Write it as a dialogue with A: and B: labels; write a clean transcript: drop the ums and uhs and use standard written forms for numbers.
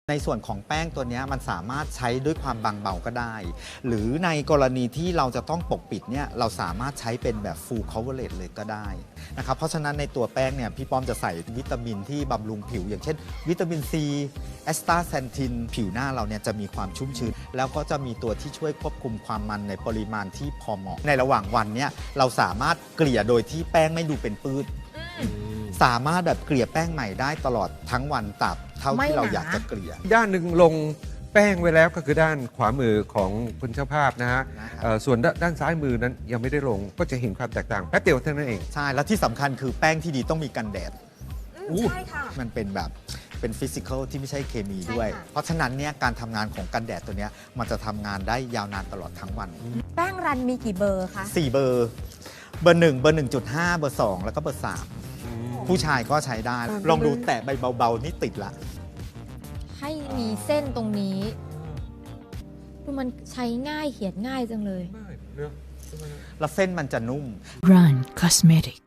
A: ในส่วนของแป้งตัวนี้มันสามารถใช้ด้วยความบางเบาก็ได้ หรือในกรณีที่เราจะต้องปกปิดเนี่ยเราสามารถใช้เป็นแบบ full coverage เลยก็ได้นะครับเพราะฉะนั้นในตัวแป้งเนี่ยพี่ป้อมจะใส่วิตามินที่บำรุงผิวอย่างเช่นวิตามินซีแอสตาแซนทินผิวหน้าเราเนี่ยจะมีความชุ่มชื้นแล้วก็จะมีตัวที่ช่วยควบคุมความมันในปริมาณที่พอเหมาะในระหว่างวันเนี่ยเราสามารถเกลี่ยโดยที่แป้งไม่ดูเป็นปื้ดสามารถแบบเกลี่ยแป้งใหม่ได้ตลอดทั้งวันตราบเท่าที่เราอยากจะเกลี่ย
B: ด้านหนึ่งลงแป้งไว้แล้วก็คือด้านขวามือของคุณเจ้าภาพนะฮะส่วนด้านซ้ายมือนั้นยังไม่ได้ลงก็จะเห็นความแตกต่างแป๊บเดียวเท่านั้นเอง
A: ใช่แล้วที่สำคัญคือแป้งที่ดีต้องมีกันแดด
C: ใช่ค่ะ
A: มันเป็นแบบเป็นฟิสิกอลที่ไม่ใช่เคมีด้วยเพราะฉะนั้นเนี่ยการทำงานของกันแดดตัวเนี้ยมันจะทำงานได้ยาวนานตลอดทั้งวัน
C: แป้งรันมีกี่เบอร์คะ
A: 4 เบอร์เบอร์ 1 เบอร์ 1.5 เบอร์ 2 แล้วก็เบอร์ 3ผู้ชายก็ใช้ได้ลองดูแตะใบเบาๆนี่ติดละ
D: ให้มีเส้นตรงนี้ดูมันใช้ง่ายเขียนง่ายจังเลย
A: แล้วเส้นมันจะนุ่ม
E: Run Cosmetic